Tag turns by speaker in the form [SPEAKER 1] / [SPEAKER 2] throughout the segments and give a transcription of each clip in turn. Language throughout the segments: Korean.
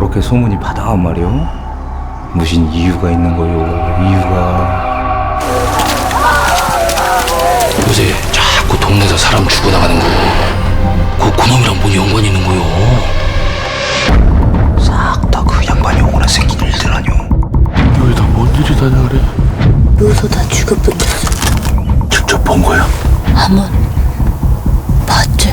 [SPEAKER 1] 그렇게 소문이 바다한 말이오? 무슨 이유가 있는 거요, 이유가.
[SPEAKER 2] 요새 자꾸 동네에서 사람 죽어나가는 거, 그놈이랑 뭔 연관이 있는 거요?
[SPEAKER 1] 싹 다 그 양반이 오거나 생긴 일들 아니오?
[SPEAKER 2] 여기 다 뭔 일이다냐 그래?
[SPEAKER 3] 요소 다 죽어붙었어.
[SPEAKER 2] 직접 본 거야?
[SPEAKER 3] 한번 봤지?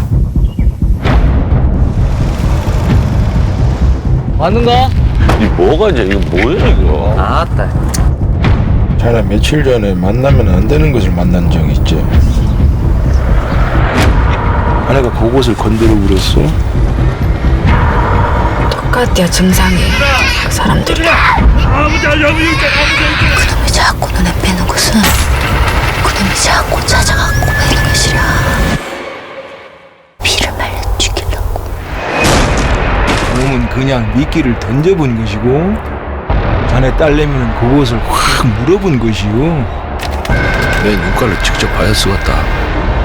[SPEAKER 1] 맞는가?
[SPEAKER 2] 이 뭐가 이제 이거 뭐야 이거?
[SPEAKER 1] 아따.
[SPEAKER 4] 자네 며칠 전에 만나면 안 되는 것을 만난 적 있지? 아내가 그곳을 건드려 버렸어?
[SPEAKER 3] 똑같야 증상이. 그 사람들이. 그놈이 자꾸 눈에 뵈는 것은 그놈이 자꾸 찾아갖고 매는 것이라. 피를 말려 죽이려고.
[SPEAKER 4] 그놈은 그냥 미끼를 던져본 것이고 자네 딸내미는 그곳을 확 물어본 것이요.
[SPEAKER 2] 내 눈깔을 직접 봐야 쓰겠다.